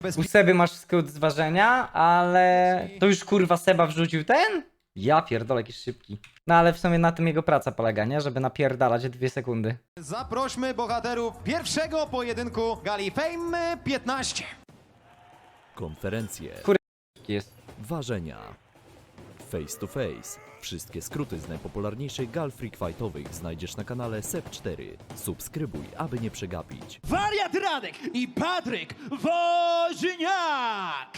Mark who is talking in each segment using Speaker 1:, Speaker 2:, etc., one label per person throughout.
Speaker 1: U Seby masz skrót zważenia, ale to już kurwa Seba wrzucił ten? Ja pierdolę, jakiś szybki. No ale w sumie na tym jego praca polega, nie? Żeby napierdalać 2 sekundy.
Speaker 2: Zaprośmy bohaterów pierwszego pojedynku Gali Fame 15.
Speaker 3: Konferencje,
Speaker 1: Jest.
Speaker 3: ważenia, face to face. Wszystkie skróty z najpopularniejszych gal freak fightowych znajdziesz na kanale SEP4. Subskrybuj, aby nie przegapić.
Speaker 4: Wariat Radek i Patryk Woźniak!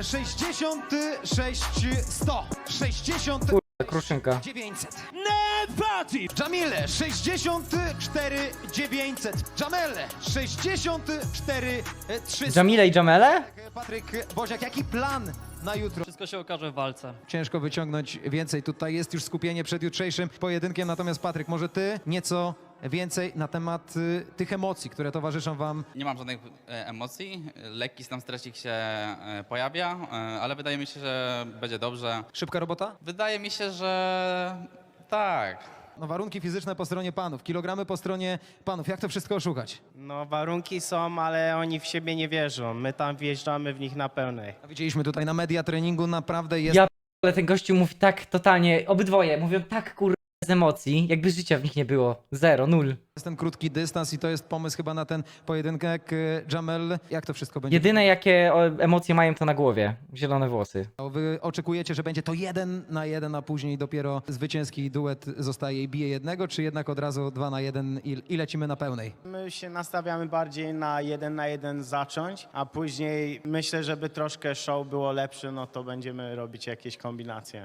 Speaker 2: 66 100. 60
Speaker 1: Kurwa, kruszynka.
Speaker 2: 900.
Speaker 4: Nepati!
Speaker 2: Jamile 64 900. Jamele 64 300.
Speaker 1: Jamile i Jamele?
Speaker 2: Patryk Woźniak, jaki plan na jutro?
Speaker 5: Wszystko się okaże w walce.
Speaker 2: Ciężko wyciągnąć więcej. Tutaj jest już skupienie przed jutrzejszym pojedynkiem. Natomiast Patryk, może ty nieco więcej na temat tych emocji, które towarzyszą wam.
Speaker 6: Nie mam żadnych emocji, lekki tam stresik się pojawia, ale wydaje mi się, że będzie dobrze.
Speaker 2: Szybka robota?
Speaker 6: Wydaje mi się, że tak.
Speaker 2: No, warunki fizyczne po stronie panów, kilogramy po stronie panów. Jak to wszystko oszukać?
Speaker 7: No warunki są, ale oni w siebie nie wierzą. My tam wjeżdżamy w nich na pełnej.
Speaker 2: A widzieliśmy tutaj na media treningu, naprawdę jest
Speaker 1: Ja ale ten gościu mówi tak totalnie, obydwoje mówią tak kurwa bez emocji, jakby życia w nich nie było. 0, 0.
Speaker 2: ten krótki dystans i to jest pomysł chyba na ten pojedynek. Jamel, jak to wszystko będzie?
Speaker 1: Jedyne jakie emocje mają to na głowie. Zielone włosy.
Speaker 2: Wy oczekujecie, że będzie to 1 na 1, a później dopiero zwycięski duet zostaje i bije jednego, czy jednak od razu 2 na 1 i lecimy na pełnej?
Speaker 7: My się nastawiamy bardziej na 1 zacząć, a później myślę, żeby troszkę show było lepsze, no to będziemy robić jakieś kombinacje.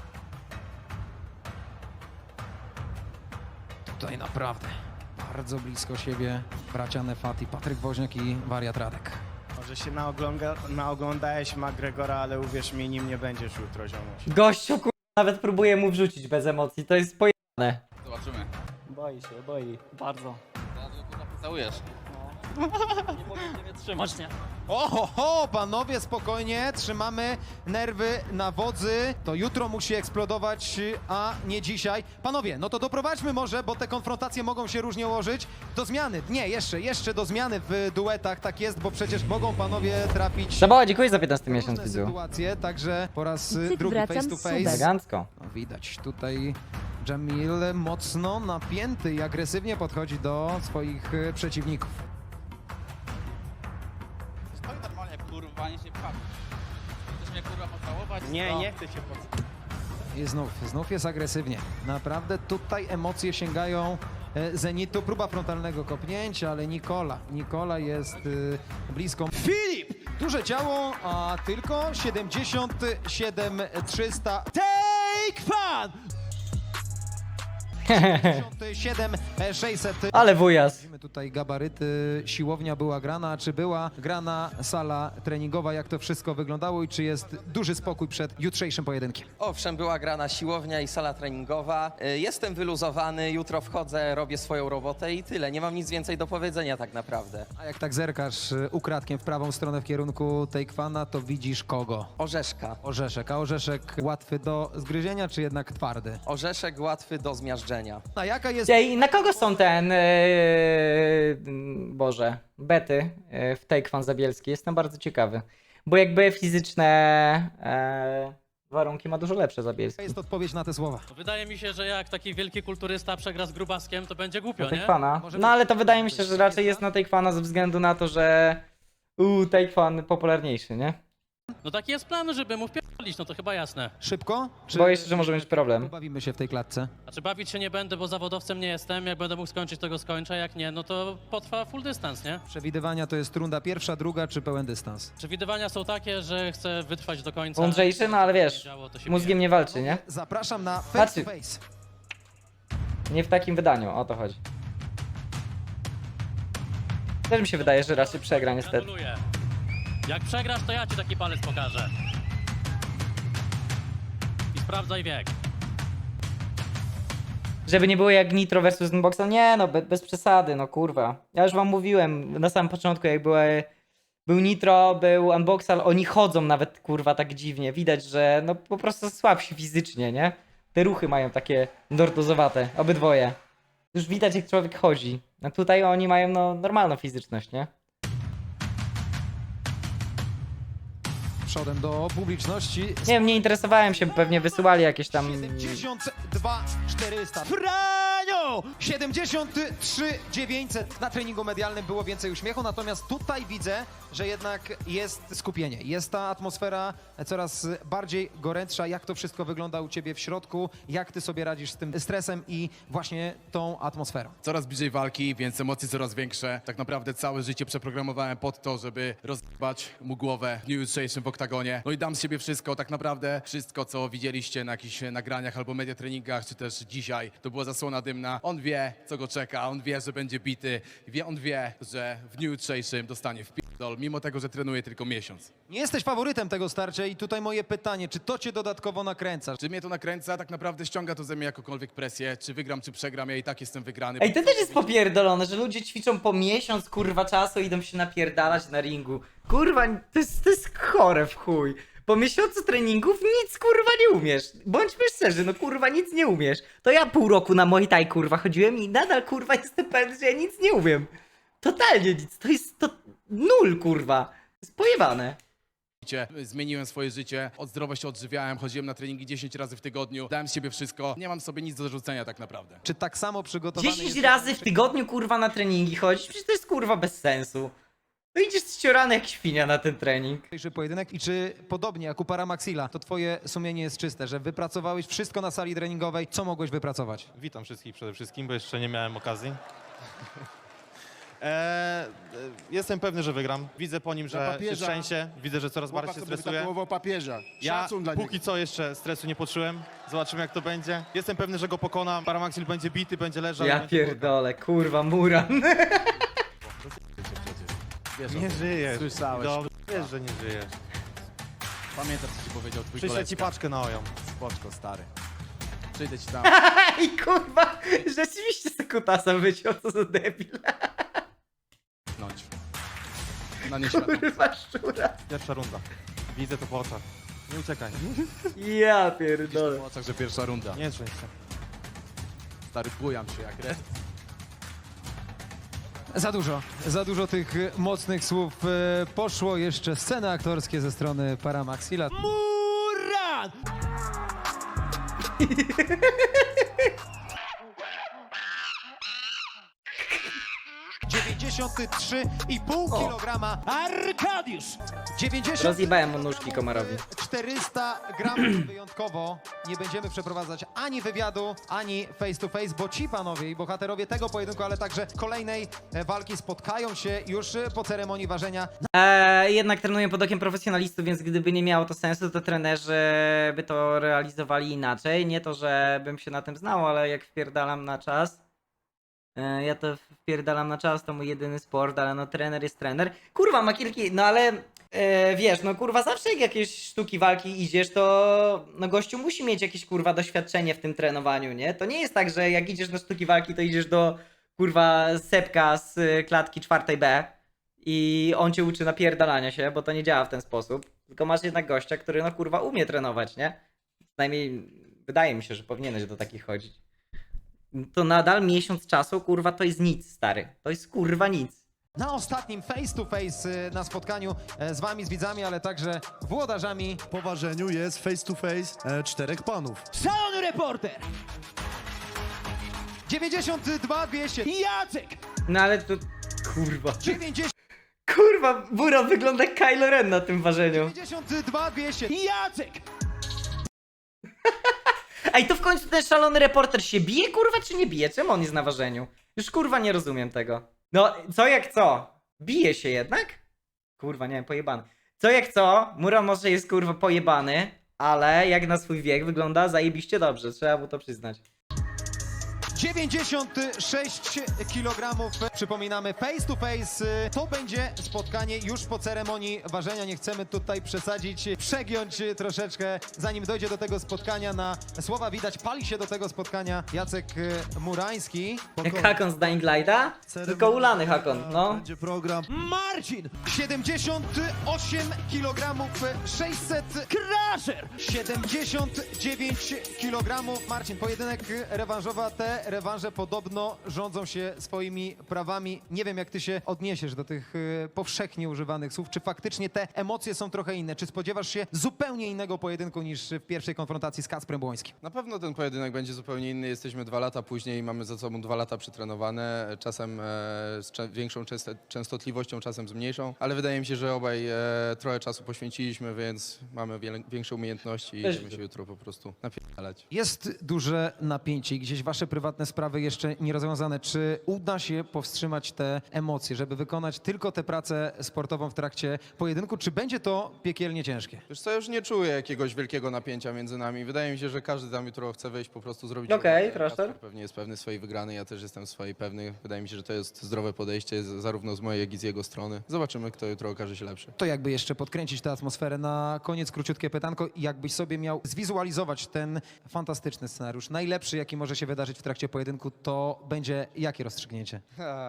Speaker 2: Tutaj naprawdę bardzo blisko siebie bracia Nefati, Patryk Woźniak i Wariat Radek.
Speaker 7: Może się naoglądałeś McGregora, ale uwierz mi, nim nie będziesz jutro, ziomuś.
Speaker 1: Gościu kurwa nawet próbuje mu wrzucić bez emocji, to jest pojebane.
Speaker 6: Zobaczymy.
Speaker 5: Boi. Bardzo.
Speaker 6: Zaraz go kurwa pocałujesz.
Speaker 5: Nie mogę cię wytrzymać, nie?
Speaker 2: Oho, panowie, spokojnie, trzymamy nerwy na wodzy. To jutro musi eksplodować, a nie dzisiaj. Panowie, no to doprowadźmy może, bo te konfrontacje mogą się różnie ułożyć, do zmiany. Nie, jeszcze do zmiany w duetach, tak jest, bo przecież mogą panowie trafić
Speaker 1: Szabała, dziękuję za 15
Speaker 2: w
Speaker 1: miesiąc
Speaker 2: różne
Speaker 1: widzu.
Speaker 2: sytuacje, także po raz
Speaker 8: Cyk,
Speaker 2: drugi
Speaker 8: wracam
Speaker 2: face to
Speaker 8: z
Speaker 2: face.
Speaker 8: subem.
Speaker 1: Elegancko.
Speaker 2: No, widać tutaj Jamil mocno napięty i agresywnie podchodzi do swoich przeciwników.
Speaker 6: Stoi normalnie, kurwa, nie się patrzy. Chcesz mnie kurwa pocałować?
Speaker 7: Nie,
Speaker 6: To-
Speaker 7: nie chcę się pod...
Speaker 2: I znów jest agresywnie. Naprawdę tutaj emocje sięgają zenitu. Próba frontalnego kopnięcia, ale Nikola jest blisko.
Speaker 4: Filip!
Speaker 2: Duże ciało, a tylko 77 300.
Speaker 4: Take fan!
Speaker 2: 77 600.
Speaker 1: Ale wujas.
Speaker 2: Widzimy tutaj gabaryty. Siłownia była grana. Czy była grana sala treningowa? Jak to wszystko wyglądało i czy jest duży spokój przed jutrzejszym pojedynkiem?
Speaker 9: Owszem, była grana siłownia i sala treningowa. Jestem wyluzowany, jutro wchodzę, robię swoją robotę i tyle. Nie mam nic więcej do powiedzenia tak naprawdę.
Speaker 2: A jak tak zerkasz ukradkiem w prawą stronę w kierunku Takefana, to widzisz kogo?
Speaker 9: Orzeszka.
Speaker 2: Orzeszek. A orzeszek łatwy do zgryzienia, czy jednak twardy?
Speaker 9: Orzeszek łatwy do zmiażdżenia.
Speaker 2: A jaka jest...
Speaker 1: Ej, na kogo są ten, Boże, bety w Takefan Zabielski? Jestem bardzo ciekawy. Bo jakby fizyczne warunki ma dużo lepsze Zabielski.
Speaker 2: jest odpowiedź na te słowa?
Speaker 5: Wydaje mi się, że jak taki wielki kulturysta przegra z grubaskiem, to będzie głupio,
Speaker 1: Na
Speaker 5: nie?
Speaker 1: Takefana.
Speaker 2: Może
Speaker 1: No
Speaker 2: być-
Speaker 1: ale to wydaje mi się, że raczej jest na Takefana ze względu na to, że Takefan popularniejszy, nie?
Speaker 5: No taki jest plan, żeby mu wpierdolić, no to chyba jasne.
Speaker 2: Szybko? Czy...
Speaker 1: Boję się, że może być problem.
Speaker 2: Pobawimy się w tej klatce.
Speaker 5: Znaczy bawić się nie będę, bo zawodowcem nie jestem. Jak będę mógł skończyć, to go skończę. Jak nie, no to potrwa full dystans, nie?
Speaker 2: Przewidywania to jest runda pierwsza, druga czy pełen dystans?
Speaker 5: Przewidywania są takie, że chcę wytrwać do końca.
Speaker 1: Mądrzejszy, no ale wiesz,
Speaker 5: Działo, to się
Speaker 1: mózgiem nie walczy, nie?
Speaker 2: Zapraszam na face
Speaker 1: Patrzcie.
Speaker 2: to face.
Speaker 1: Nie w takim wydaniu, o to chodzi. Też mi się wydaje, że raczej przegra niestety.
Speaker 5: Gratuluję. Jak przegrasz, to ja ci taki palec pokażę. I sprawdzaj wiek.
Speaker 1: Żeby nie było jak Nitro versus Unboxa, nie no, bez przesady, no kurwa. Ja już wam mówiłem na samym początku, jak był Nitro, był Unboxal, oni chodzą nawet kurwa tak dziwnie. Widać, że no po prostu słabsi fizycznie, nie? Te ruchy mają takie lordozowate, obydwoje. Już widać jak człowiek chodzi. A tutaj oni mają no normalną fizyczność, nie?
Speaker 2: przodem do publiczności.
Speaker 1: Nie wiem, nie interesowałem się, pewnie wysyłali jakieś tam...
Speaker 2: 72 400.
Speaker 4: Franio!
Speaker 2: 73 900. Na treningu medialnym było więcej uśmiechu, natomiast tutaj widzę, że jednak jest skupienie. Jest ta atmosfera coraz bardziej gorętsza. Jak to wszystko wygląda u ciebie w środku? Jak ty sobie radzisz z tym stresem i właśnie tą atmosferą?
Speaker 8: Coraz bliżej walki, więc emocje coraz większe. Tak naprawdę całe życie przeprogramowałem pod to, żeby rozbać mu głowę w dniu jutrzejszym w oktagonie. No i dam z siebie wszystko, tak naprawdę wszystko, co widzieliście na jakichś nagraniach albo media treningach, czy też dzisiaj, to była zasłona dymna. On wie, co go czeka, on wie, że będzie bity, on wie, że w dniu jutrzejszym dostanie wpierdol, mimo tego, że trenuje tylko miesiąc.
Speaker 2: Nie jesteś faworytem tego starcia i tutaj moje pytanie, czy to cię dodatkowo nakręca?
Speaker 8: Czy mnie to nakręca? Tak naprawdę ściąga to ze mnie jakąkolwiek presję. Czy wygram, czy przegram, ja i tak jestem wygrany.
Speaker 1: Ej, to też jest popierdolone, że ludzie ćwiczą po miesiąc, kurwa, czasu i idą się napierdalać na ringu. Kurwa, to jest chore w chuj. Po miesiącu treningów nic, kurwa, nie umiesz. Bądźmy szczerzy, no kurwa, nic nie umiesz. To ja pół roku na Muay Thai, kurwa, chodziłem i nadal, kurwa, jestem pewny, że ja nic nie umiem. Totalnie nic. To jest to nul, kurwa. To jest pojebane.
Speaker 8: Zmieniłem swoje życie, od zdrowo się odżywiałem, chodziłem na treningi 10 razy w tygodniu, dałem z siebie wszystko, nie mam sobie nic do zarzucenia tak naprawdę.
Speaker 2: Czy tak samo przygotowany
Speaker 1: 10
Speaker 2: jesteś-
Speaker 1: razy w tygodniu, kurwa, na treningi chodzić? Przecież to jest, kurwa, bez sensu. No idziesz ściorany jak świnia na ten trening.
Speaker 2: Dzisiejszy pojedynek i czy podobnie jak u Paramaxila, to twoje sumienie jest czyste, że wypracowałeś wszystko na sali treningowej, co mogłeś wypracować?
Speaker 10: Witam wszystkich przede wszystkim, bo jeszcze nie miałem okazji. Jestem pewny, że wygram. Widzę po nim, że się trzęsie. Widzę, że coraz bardziej się stresuje.
Speaker 4: papieża.
Speaker 10: Ja póki co jeszcze stresu nie poczułem. Zobaczymy, jak to będzie. Jestem pewny, że go pokonam. Paramaxil będzie bity, będzie leżał.
Speaker 1: Ja
Speaker 10: będzie
Speaker 1: pierdolę, kurwa, Muran.
Speaker 10: Nie żyjesz.
Speaker 8: Słyszałeś.
Speaker 10: Dobrze, wiesz, że nie żyjesz.
Speaker 8: Pamiętasz, co ci powiedział twój
Speaker 10: Przyślę ci
Speaker 8: koleżka.
Speaker 10: paczkę na oją.
Speaker 8: Spoczko, stary. Przyjdę ci tam.
Speaker 1: I kurwa, rzeczywiście se kutasa wyciął, co za debil.
Speaker 8: Pchnąć. Na nieświadomie.
Speaker 1: Kurwa, szczura.
Speaker 10: Pierwsza runda. Widzę to po oczach. Nie uciekaj.
Speaker 1: Ja
Speaker 8: Widzisz
Speaker 1: pierdolę.
Speaker 8: po oczach, że pierwsza runda.
Speaker 10: Nie trzęś się.
Speaker 8: Stary, bujam się jak red.
Speaker 2: Za dużo tych mocnych słów poszło. Jeszcze sceny aktorskie ze strony Paramaxila.
Speaker 4: Muran!
Speaker 2: 93,5 kg.
Speaker 4: Arkadiusz!
Speaker 2: 90
Speaker 1: Rozjebałem mu nóżki Komarowi.
Speaker 2: 400 gramów. Wyjątkowo nie będziemy przeprowadzać ani wywiadu, ani face to face, bo ci panowie i bohaterowie tego pojedynku, ale także kolejnej walki spotkają się już po ceremonii ważenia.
Speaker 1: Jednak trenuję pod okiem profesjonalistów, więc gdyby nie miało to sensu, to trenerzy by to realizowali inaczej. Nie to, że bym się na tym znał, ale jak wpierdalam na czas, ja to wpierdalam na czas, to mój jedyny sport, ale no trener jest trener. Kurwa, ma kilka, no ale wiesz, no kurwa, zawsze jak jakieś sztuki walki idziesz, to no gościu musi mieć jakieś kurwa doświadczenie w tym trenowaniu, nie? To nie jest tak, że jak idziesz na sztuki walki, to idziesz do kurwa Sepka z klatki 4B i on cię uczy napierdalania się, bo to nie działa w ten sposób. Tylko masz jednak gościa, który no kurwa umie trenować, nie? Przynajmniej wydaje mi się, że powinieneś do takich chodzić. To nadal miesiąc czasu, kurwa, to jest nic, stary. To jest kurwa nic.
Speaker 2: Na ostatnim face to face na spotkaniu z wami, z widzami, ale także włodarzami.
Speaker 11: Po ważeniu jest face to face 4 panów.
Speaker 4: Szalony reporter!
Speaker 2: 92 200.
Speaker 4: Jacek!
Speaker 1: No ale to... Kurwa.
Speaker 2: 90
Speaker 1: Kurwa, Buran wygląda jak Kylo Ren na tym ważeniu.
Speaker 2: 92 200.
Speaker 4: Jacek!
Speaker 1: Ej, to w końcu ten szalony reporter się bije, kurwa, czy nie bije? Czemu on jest na ważeniu? Już kurwa nie rozumiem tego. No, co jak co? Bije się jednak? Kurwa, nie wiem, pojebany. Co jak co? Muran może jest kurwa pojebany, ale jak na swój wiek wygląda zajebiście dobrze, trzeba mu to przyznać.
Speaker 2: 96 kg. Przypominamy, face to face. To będzie spotkanie już po ceremonii ważenia. Nie chcemy tutaj przesadzić, przegiąć troszeczkę. Zanim dojdzie do tego spotkania, na słowa widać, pali się do tego spotkania Jacek Murański.
Speaker 1: Jak Hakon z Dying Lighta? Tylko ulany Hakon, no.
Speaker 11: Będzie program.
Speaker 4: Marcin!
Speaker 2: 78 kg. 600
Speaker 4: Crusher!
Speaker 2: 79 kg. Marcin, pojedynek rewanżowa, te rewanże podobno rządzą się swoimi prawami. Nie wiem, jak ty się odniesiesz do tych powszechnie używanych słów. Czy faktycznie te emocje są trochę inne? Czy spodziewasz się zupełnie innego pojedynku niż w pierwszej konfrontacji z Kacprem Błońskim?
Speaker 12: Na pewno ten pojedynek będzie zupełnie inny. Jesteśmy 2 lata później i mamy za sobą 2 lata przetrenowane, czasem z większą częstotliwością, czasem z mniejszą, ale wydaje mi się, że obaj trochę czasu poświęciliśmy, więc mamy większe umiejętności i będziemy się jutro po prostu napierdalać.
Speaker 2: Jest duże napięcie i gdzieś wasze prywatne sprawy jeszcze nierozwiązane. Czy uda się powstrzymać te emocje, żeby wykonać tylko tę pracę sportową w trakcie pojedynku? Czy będzie to piekielnie ciężkie?
Speaker 12: Wiesz co, już nie czuję jakiegoś wielkiego napięcia między nami. Wydaje mi się, że każdy tam jutro chce wyjść, po prostu zrobić...
Speaker 1: Okej,
Speaker 12: robotę.
Speaker 1: proszę.
Speaker 12: Kacper pewnie jest pewny swojej wygranej, ja też jestem swojej pewny. Wydaje mi się, że to jest zdrowe podejście zarówno z mojej, jak i z jego strony. Zobaczymy, kto jutro okaże się lepszy.
Speaker 2: To jakby jeszcze podkręcić tę atmosferę na koniec, króciutkie pytanko. Jakbyś sobie miał zwizualizować ten fantastyczny scenariusz, najlepszy, jaki może się wydarzyć w trakcie pojedynku, to będzie jakie rozstrzygnięcie?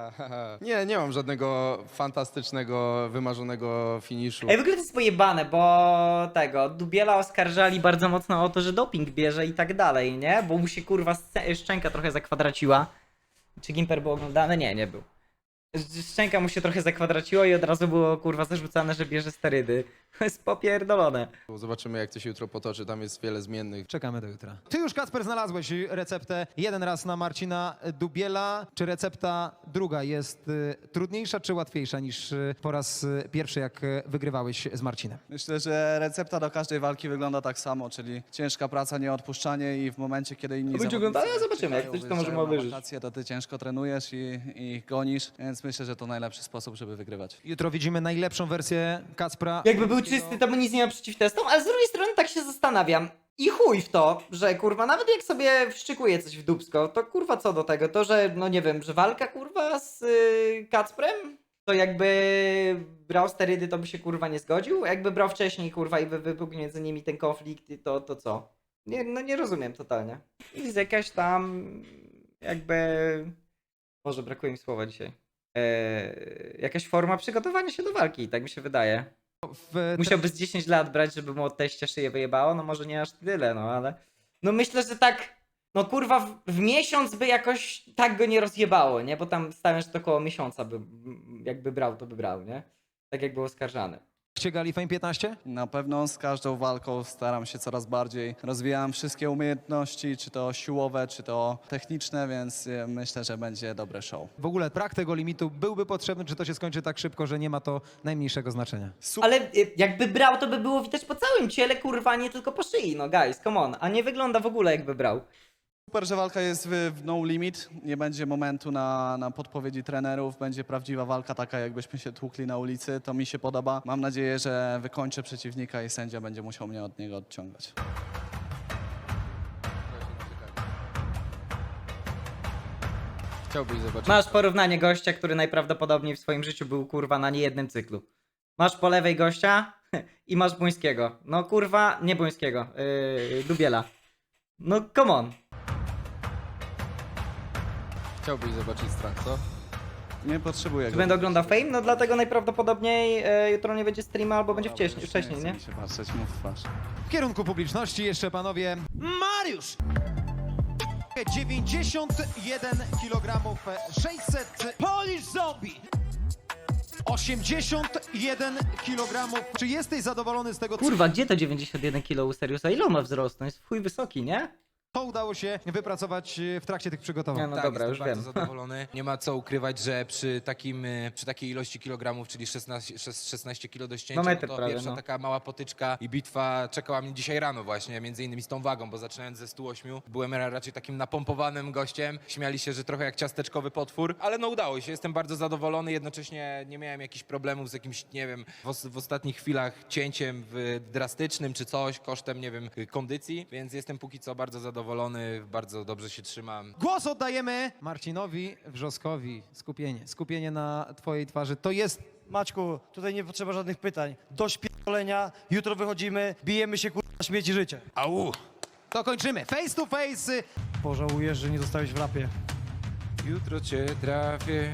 Speaker 12: Nie mam żadnego fantastycznego, wymarzonego finiszu.
Speaker 1: Ej, w ogóle to jest pojebane, bo Dubiela oskarżali bardzo mocno o to, że doping bierze i tak dalej, nie? Bo mu się kurwa szczęka trochę zakwadraciła. Czy Gimper był oglądany? Nie, nie był. Szczęka mu się trochę zakwadraciło i od razu było kurwa zarzucane, że bierze sterydy. To jest popierdolone.
Speaker 12: Zobaczymy, jak to się jutro potoczy, tam jest wiele zmiennych.
Speaker 2: Czekamy do jutra. Ty już, Kacper, znalazłeś receptę jeden raz na Marcina Dubiela. Czy recepta druga jest trudniejsza czy łatwiejsza niż po raz pierwszy, jak wygrywałeś z Marcinem?
Speaker 13: Myślę, że recepta do każdej walki wygląda tak samo, czyli ciężka praca, nieodpuszczanie i w momencie, kiedy inni
Speaker 1: Będzie
Speaker 13: zawodnicy
Speaker 1: oglądane? Zobaczymy, jak
Speaker 13: czekają,
Speaker 1: coś to możemy
Speaker 13: wyjeżdżają na
Speaker 1: obejrzeć.
Speaker 13: wakacje, to ty ciężko trenujesz i gonisz, więc myślę, że to najlepszy sposób, żeby wygrywać.
Speaker 2: Jutro widzimy najlepszą wersję Kacpra.
Speaker 1: Jakby był czysty, to by nic nie miał przeciw testom, ale z drugiej strony tak się zastanawiam. I chuj w to, że kurwa, nawet jak sobie wszczykuje coś w dupsko, to kurwa co do tego? To, że no nie wiem, że walka kurwa z Kacprem? To jakby brał sterydy, to by się kurwa nie zgodził? Jakby brał wcześniej kurwa i wybuchł między nimi ten konflikt, to co? Nie rozumiem totalnie. Jest jakaś tam jakby... Może brakuje mi słowa dzisiaj. Jakaś forma przygotowania się do walki, tak mi się wydaje. Musiałby z 10 lat brać, żeby mu od teścia szyję wyjebało, no może nie aż tyle, no ale... No myślę, że tak, no kurwa w miesiąc by jakoś tak go nie rozjebało, nie? Bo tam stawiam, że to około miesiąca by, jakby brał, to by brał, nie? Tak jak był oskarżany.
Speaker 2: Ściegali Fame 15?
Speaker 13: Na pewno z każdą walką staram się coraz bardziej. Rozwijam wszystkie umiejętności, czy to siłowe, czy to techniczne, więc myślę, że będzie dobre show.
Speaker 2: W ogóle brak tego limitu byłby potrzebny, czy to się skończy tak szybko, że nie ma to najmniejszego znaczenia?
Speaker 1: Ale jakby brał, to by było widać po całym ciele, kurwa, nie tylko po szyi, no guys, come on. A nie wygląda w ogóle jakby brał.
Speaker 13: Super, że walka jest w no limit, nie będzie momentu na podpowiedzi trenerów, będzie prawdziwa walka taka, jakbyśmy się tłukli na ulicy, to mi się podoba. Mam nadzieję, że wykończę przeciwnika i sędzia będzie musiał mnie od niego odciągać.
Speaker 12: Chciałbyś zobaczyć...
Speaker 1: Masz porównanie gościa, który najprawdopodobniej w swoim życiu był kurwa na niejednym cyklu. Masz po lewej gościa i masz Błońskiego. No kurwa, nie Błońskiego, Dubiela. No come on.
Speaker 12: Chciałbyś zobaczyć strach, co?
Speaker 13: Nie potrzebuję
Speaker 1: Czy
Speaker 13: go.
Speaker 1: będę oglądał Fame? No dlatego najprawdopodobniej jutro nie będzie streama albo będzie wcześniej, nie?
Speaker 13: Nie chcę mi się patrzeć mu w twarz.
Speaker 2: W kierunku publiczności jeszcze, panowie,
Speaker 4: Mariusz!
Speaker 2: 91 kg 600...
Speaker 4: Polish Zombie!
Speaker 2: 81 kg. Czy jesteś zadowolony z tego,
Speaker 1: Kurwa, gdzie to 91 kg u Seriusa? Ile on ma wzrostu? On jest w chuj wysoki, nie?
Speaker 2: co udało się wypracować w trakcie tych przygotowań?
Speaker 1: No
Speaker 14: Tak,
Speaker 1: dobra, już
Speaker 14: jestem
Speaker 1: wiem.
Speaker 14: bardzo zadowolony. Nie ma co ukrywać, że przy takiej ilości kilogramów, czyli 16 kg do ścięcia,
Speaker 1: No metr
Speaker 14: to
Speaker 1: prawie,
Speaker 14: pierwsza
Speaker 1: no.
Speaker 14: taka mała potyczka i bitwa czekała mnie dzisiaj rano właśnie, między innymi z tą wagą, bo zaczynając ze 108 byłem raczej takim napompowanym gościem. Śmiali się, że trochę jak ciasteczkowy potwór, ale no udało się. Jestem bardzo zadowolony, jednocześnie nie miałem jakichś problemów z jakimś, nie wiem, w ostatnich chwilach cięciem drastycznym czy coś, kosztem, nie wiem, kondycji, więc jestem póki co bardzo zadowolony, bardzo dobrze się trzymam.
Speaker 2: Głos oddajemy Marcinowi Wrzoskowi. Skupienie na twojej twarzy. To jest...
Speaker 15: Maćku, tutaj nie potrzeba żadnych pytań. Dość pierdolenia, jutro wychodzimy, bijemy się kurwa śmieci życia.
Speaker 14: Au!
Speaker 2: To kończymy. Face to face.
Speaker 15: Pożałujesz, że nie zostałeś w rapie.
Speaker 14: Jutro cię trafię.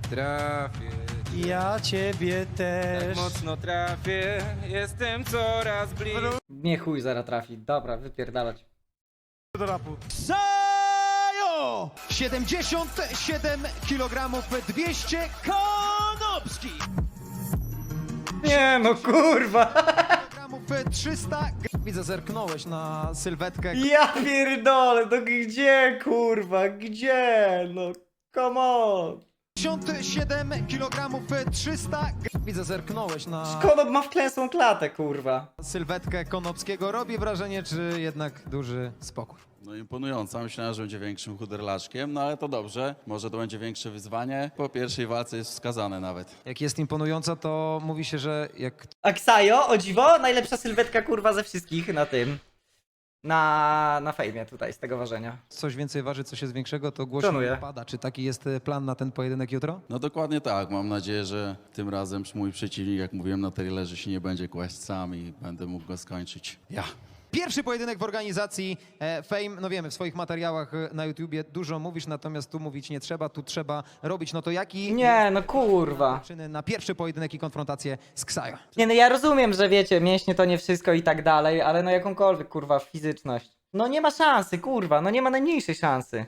Speaker 15: Ja ciebie też.
Speaker 14: Tak mocno trafię, jestem coraz bliżej.
Speaker 1: Nie chuj, zaraz trafi. Dobra, wypierdalać.
Speaker 15: Do rapu. Sajo!
Speaker 4: Konopskiego!
Speaker 2: 77 kg 200
Speaker 4: Konopski!
Speaker 1: Nie no kurwa.
Speaker 2: kg 300. Widzę, zerknąłeś na sylwetkę.
Speaker 1: Ja pierdolę, no gdzie kurwa, gdzie? No come on.
Speaker 2: 57 kg 300. Widzę, zerknąłeś na
Speaker 1: Konop ma wklęsłą klatę kurwa.
Speaker 2: sylwetkę Konopskiego. Robi wrażenie, czy jednak duży spokój?
Speaker 16: No imponująca. Myślałem, że będzie większym chuderlaczkiem, no ale to dobrze. Może to będzie większe wyzwanie. Po pierwszej walce jest wskazane nawet.
Speaker 2: Jak jest imponująca, to mówi się, że jak
Speaker 1: Aksajo, o dziwo, najlepsza sylwetka kurwa ze wszystkich na tym. Na fejmie tutaj z tego ważenia.
Speaker 2: coś więcej waży, coś jest większego, to głośno
Speaker 1: Szanuję.
Speaker 2: pada. Czy taki jest plan na ten pojedynek jutro?
Speaker 16: No dokładnie tak. Mam nadzieję, że tym razem mój przeciwnik, jak mówiłem na trailerze, się nie będzie kłaść sam i będę mógł go skończyć. Ja.
Speaker 2: Pierwszy pojedynek w organizacji Fame. No wiemy, w swoich materiałach na YouTubie dużo mówisz, natomiast tu mówić nie trzeba, tu trzeba robić. No to jaki
Speaker 1: Nie no kurwa.
Speaker 2: przyczyny na pierwszy pojedynek i konfrontację z Ksajo?
Speaker 1: Nie no ja rozumiem, że wiecie, mięśnie to nie wszystko i tak dalej, ale no jakąkolwiek kurwa fizyczność. No nie ma szansy kurwa, no nie ma najmniejszej szansy.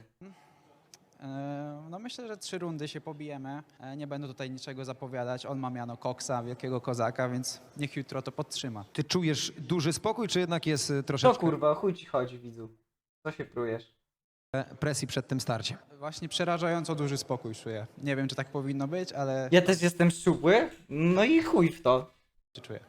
Speaker 17: No myślę, że 3 rundy się pobijemy. Nie będę tutaj niczego zapowiadać. On ma miano koksa, wielkiego kozaka, więc niech jutro to podtrzyma.
Speaker 2: Ty czujesz duży spokój, czy jednak jest
Speaker 1: Co
Speaker 2: troszeczkę
Speaker 1: kurwa, o chuj ci chodzi widzu? Co się prujesz?
Speaker 2: presji przed tym starciem?
Speaker 17: Właśnie przerażająco duży spokój czuję. Nie wiem, czy tak powinno być, ale
Speaker 1: Ja też jestem szczupły, no i chuj w to.
Speaker 17: czuję.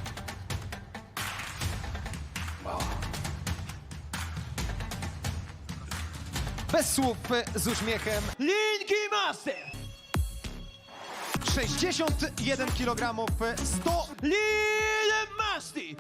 Speaker 2: Bez słów, z uśmiechem.
Speaker 4: Linki Master!
Speaker 2: 61 kg 100.
Speaker 4: Lil Masti!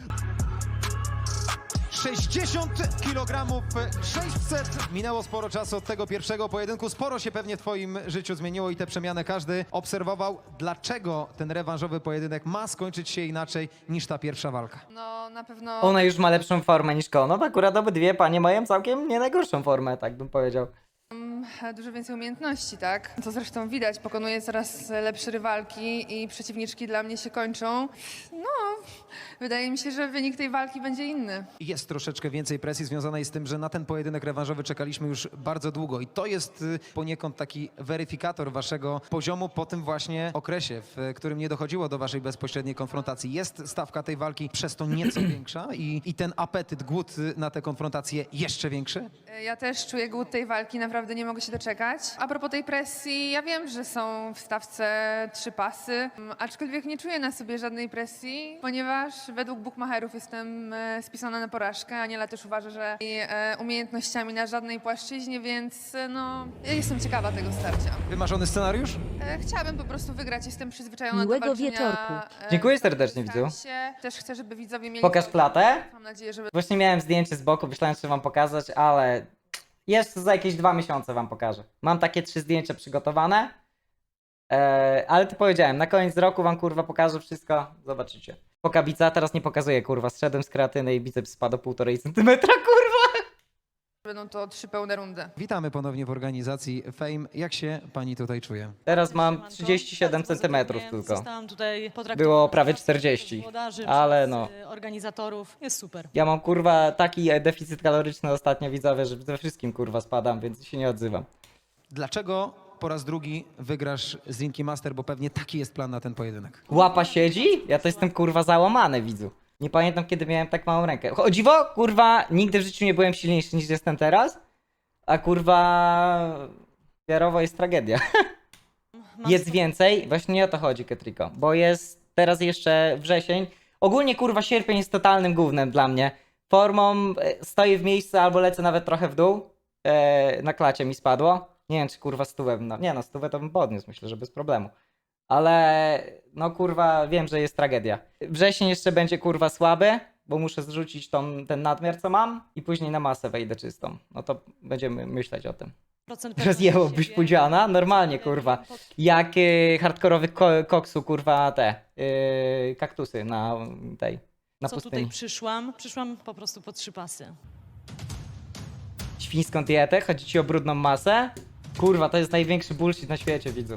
Speaker 2: 60 kg 600. Minęło sporo czasu od tego pierwszego pojedynku. Sporo się pewnie w twoim życiu zmieniło i tę przemianę każdy obserwował. Dlaczego ten rewanżowy pojedynek ma skończyć się inaczej niż ta pierwsza walka?
Speaker 18: No na pewno...
Speaker 1: Ona już ma lepszą formę niż Konop, akurat obydwie panie mają całkiem nie najgorszą formę, tak bym powiedział.
Speaker 18: Dużo więcej umiejętności, tak? To zresztą widać, pokonuję coraz lepsze rywalki i przeciwniczki dla mnie się kończą. No, wydaje mi się, że wynik tej walki będzie inny.
Speaker 2: Jest troszeczkę więcej presji związanej z tym, że na ten pojedynek rewanżowy czekaliśmy już bardzo długo i to jest poniekąd taki weryfikator waszego poziomu po tym właśnie okresie, w którym nie dochodziło do waszej bezpośredniej konfrontacji. Jest stawka tej walki przez to nieco większa i ten apetyt, głód na tę konfrontację jeszcze większy?
Speaker 18: Ja też czuję głód tej walki, naprawdę nie mogę się doczekać. A propos tej presji, ja wiem, że są w stawce 3 pasy, aczkolwiek nie czuję na sobie żadnej presji, ponieważ według bookmacherów jestem spisana na porażkę. Aniela też uważa, że jej umiejętnościami na żadnej płaszczyźnie, więc no, ja jestem ciekawa tego starcia.
Speaker 2: Wymarzony scenariusz?
Speaker 18: Chciałabym po prostu wygrać, jestem przyzwyczajona
Speaker 19: Miłego
Speaker 18: do walczenia.
Speaker 19: wieczorku.
Speaker 1: Dziękuję serdecznie, widzu.
Speaker 18: Też chcę, żeby widzowie mieli...
Speaker 1: Pokaż klatę.
Speaker 18: Mam nadzieję, że...
Speaker 1: Właśnie miałem zdjęcie z boku, myślałem, że wam pokazać, ale jeszcze za jakieś 2 miesiące wam pokażę. Mam takie 3 zdjęcia przygotowane, ale to powiedziałem, na koniec roku wam kurwa pokażę wszystko, zobaczycie. Pokabica, teraz nie pokazuję kurwa, zszedłem z kreatyny i biceps spadł o 1,5 centymetra kurwa.
Speaker 18: Będą to 3 pełne rundy.
Speaker 2: Witamy ponownie w organizacji Fame. Jak się pani tutaj czuje?
Speaker 1: Teraz mam 37 centymetrów tylko.
Speaker 19: Zostałam tutaj potraktowana
Speaker 1: Było prawie
Speaker 19: przez
Speaker 1: 40,
Speaker 19: włodarzy,
Speaker 1: ale
Speaker 19: przez,
Speaker 1: no.
Speaker 19: organizatorów. Jest super.
Speaker 1: Ja mam kurwa taki deficyt kaloryczny ostatnio widzowie, że ze wszystkim kurwa spadam, więc się nie odzywam.
Speaker 2: Dlaczego po raz drugi wygrasz z Linki Master, bo pewnie taki jest plan na ten pojedynek?
Speaker 1: Łapa siedzi? Ja to jestem kurwa załamany, widzu. Nie pamiętam, kiedy miałem tak małą rękę. O dziwo, kurwa, nigdy w życiu nie byłem silniejszy niż jestem teraz, a kurwa wiarowo jest tragedia. Jest więcej, właśnie nie o to chodzi, Ketriko, bo jest teraz jeszcze wrzesień. Ogólnie kurwa sierpień jest totalnym gównem dla mnie. Formą stoję w miejscu albo lecę nawet trochę w dół. Na klacie mi spadło. Nie wiem, czy kurwa stówę, no nie no, stówę to bym podniósł, myślę, że bez problemu. Ale no kurwa wiem, że jest tragedia. Wrzesień jeszcze będzie kurwa słaby, bo muszę zrzucić ten nadmiar, co mam i później na masę wejdę czystą. No to będziemy myśleć o tym. Rozjęłobyś pudziana? Normalnie kurwa. Jak hardkorowy koksu kurwa te kaktusy na tej, na
Speaker 19: Co
Speaker 1: pustyni.
Speaker 19: tutaj przyszłam? Przyszłam po prostu po 3 pasy.
Speaker 1: Świńską dietę? Chodzi ci o brudną masę? Kurwa, to jest największy bullshit na świecie, widzu.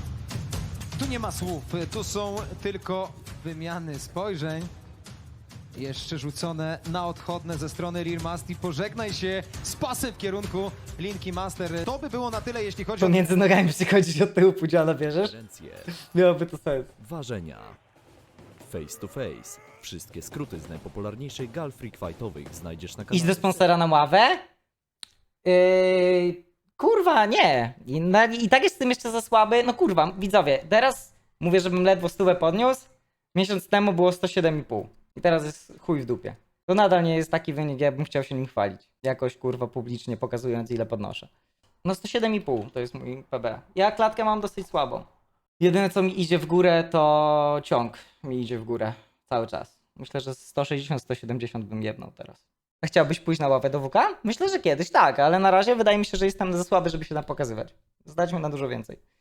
Speaker 2: Tu nie ma słów, tu są tylko wymiany spojrzeń. Jeszcze rzucone na odchodne ze strony Rear Mastiff. Pożegnaj się z pasem w kierunku Linki Master. To by było na tyle, jeśli chodzi o...
Speaker 1: Pomiędzy nogami przychodzić od tyłu Pudziana, bierzesz?
Speaker 3: Preferencje,
Speaker 1: Miałoby to sens.
Speaker 3: ważenia. Face to face. Wszystkie skróty z najpopularniejszych gal freak fightowych znajdziesz na kanale.
Speaker 1: Iść do sponsora na ławę? Kurwa, nie. I tak jest z tym jeszcze za słaby. No kurwa, widzowie, teraz mówię, żebym ledwo 100 podniósł. Miesiąc temu było 107,5. I teraz jest chuj w dupie. To nadal nie jest taki wynik, ja bym chciał się nim chwalić. Jakoś kurwa publicznie pokazując, ile podnoszę. No 107,5 to jest mój PB. Ja klatkę mam dosyć słabą. Jedyne co mi idzie w górę to ciąg mi idzie w górę cały czas. Myślę, że 160-170 bym jebnął teraz. A chciałbyś pójść na ławę do WK? Myślę, że kiedyś tak, ale na razie wydaje mi się, że jestem za słaby, żeby się tam pokazywać. Zdać mi na dużo więcej.